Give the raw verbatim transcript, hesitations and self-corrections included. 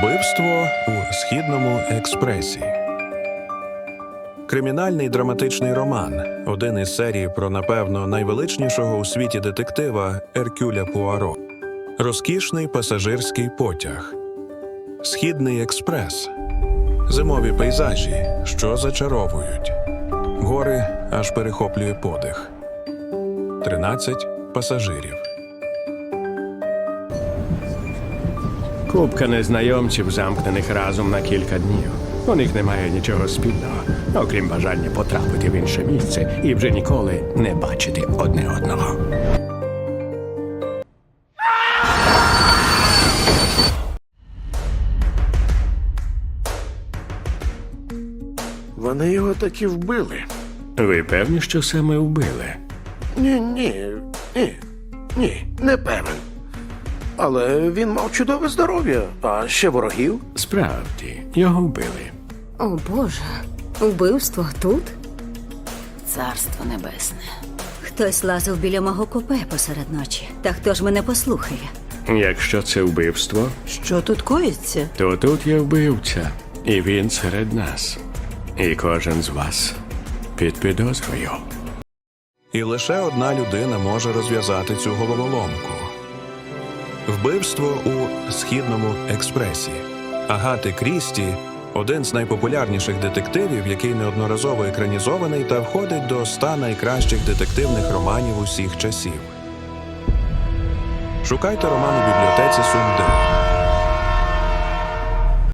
Вбивство у Східному експресі. Кримінальний драматичний роман – один із серій про, напевно, найвеличнішого у світі детектива Еркюля Пуаро. Розкішний пасажирський потяг. Східний експрес. Зимові пейзажі, що зачаровують. Гори аж перехоплює подих. Тринадцять пасажирів. Купка незнайомців, замкнених разом на кілька днів. У них немає нічого спільного, окрім бажання потрапити в інше місце і вже ніколи не бачити одне одного. Вони його таки вбили. Ви певні, що саме вбили? Ні, ні, ні, ні, не певен. Але він мав чудове здоров'я, а ще ворогів. Справді, його вбили. О, Боже, вбивство тут? Царство небесне. Хтось лазив біля мого купе посеред ночі. Та хто ж мене послухає? Якщо це вбивство, Що тут коїться? то тут є вбивця, і він серед нас. І кожен з вас під підозрою. І лише одна людина може розв'язати цю головоломку. Вбивство у Східному експресі. Агати Крісті – один з найпопулярніших детективів, який неодноразово екранізований та входить до ста найкращих детективних романів усіх часів. Шукайте роман у бібліотеці Сумден.